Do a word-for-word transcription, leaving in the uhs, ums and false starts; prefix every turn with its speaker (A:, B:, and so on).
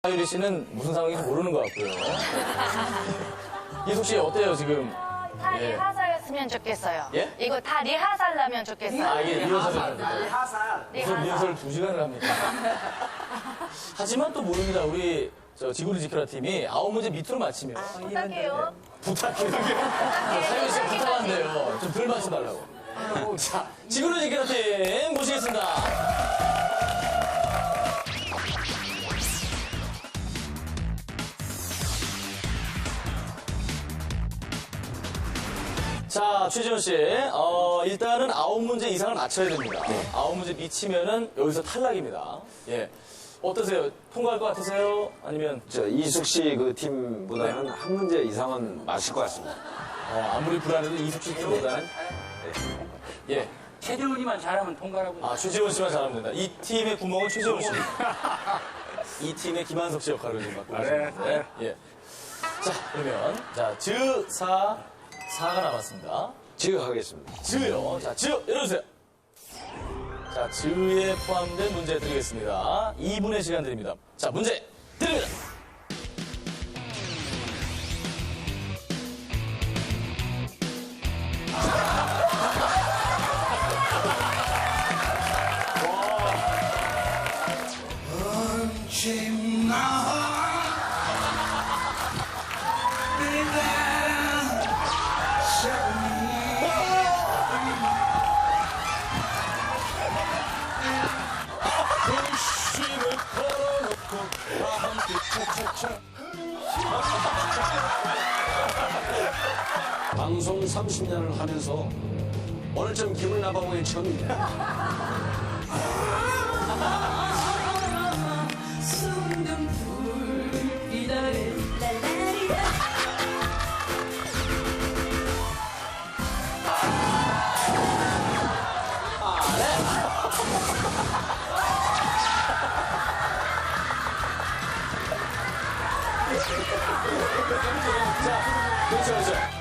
A: 하유리 씨는 무슨 상황인지 모르는 것 같고요. 이숙 씨 어때요 지금?
B: 다
A: 예.
B: 리하살했으면 좋겠어요.
A: 예?
B: 이거 다 리하살 나면 좋겠어요.
A: 아 이게 리허설을 합니다.
C: 하살.
A: 무슨 리허설 두 시간을 합니다. 하지만 또 모릅니다. 우리 저 지구를 지켜라 팀이 아홉 문제 밑으로 맞히면
B: 부탁해요.
A: 부탁해요. 하유리 씨 부탁한대요. 좀 덜 맞춰달라고. 자, 지구를 지켜라 팀 모시겠습니다. 자, 최지훈 씨, 어, 일단은 아홉 문제 이상을 맞춰야 됩니다. 아홉 문제 미치면은 여기서 탈락입니다. 예. 어떠세요? 통과할 것 같으세요? 아니면,
D: 저 이숙 씨 그 팀보다는 한 문제 이상은 맞을 것 같습니다.
A: 어, 아무리 불안해도 이숙 씨 팀보다는? 예.
C: 최재훈이만 잘하면 통과라고.
A: 아, 최지훈 씨만 잘하면 된다. 이 팀의 구멍은 최지훈 씨. 이 팀의 김한석 씨 역할을 좀 맡고 계십니다. 네. 예. 자, 그러면, 자, 즈, 사, 사가 남았습니다.
D: 지극하겠습니다.
A: 즈요. 자, 즈 열어주세요. 자, 즈에 포함된 문제 드리겠습니다. 이 분의 시간 드립니다. 자, 문제 드립니다. 불씨를 걸어놓고 다 함께 차차차.
D: 방송 삼십 년을 하면서 오늘 좀 기분 나빠 보니 처음입니다.
A: 자, 그렇죠, 그렇죠.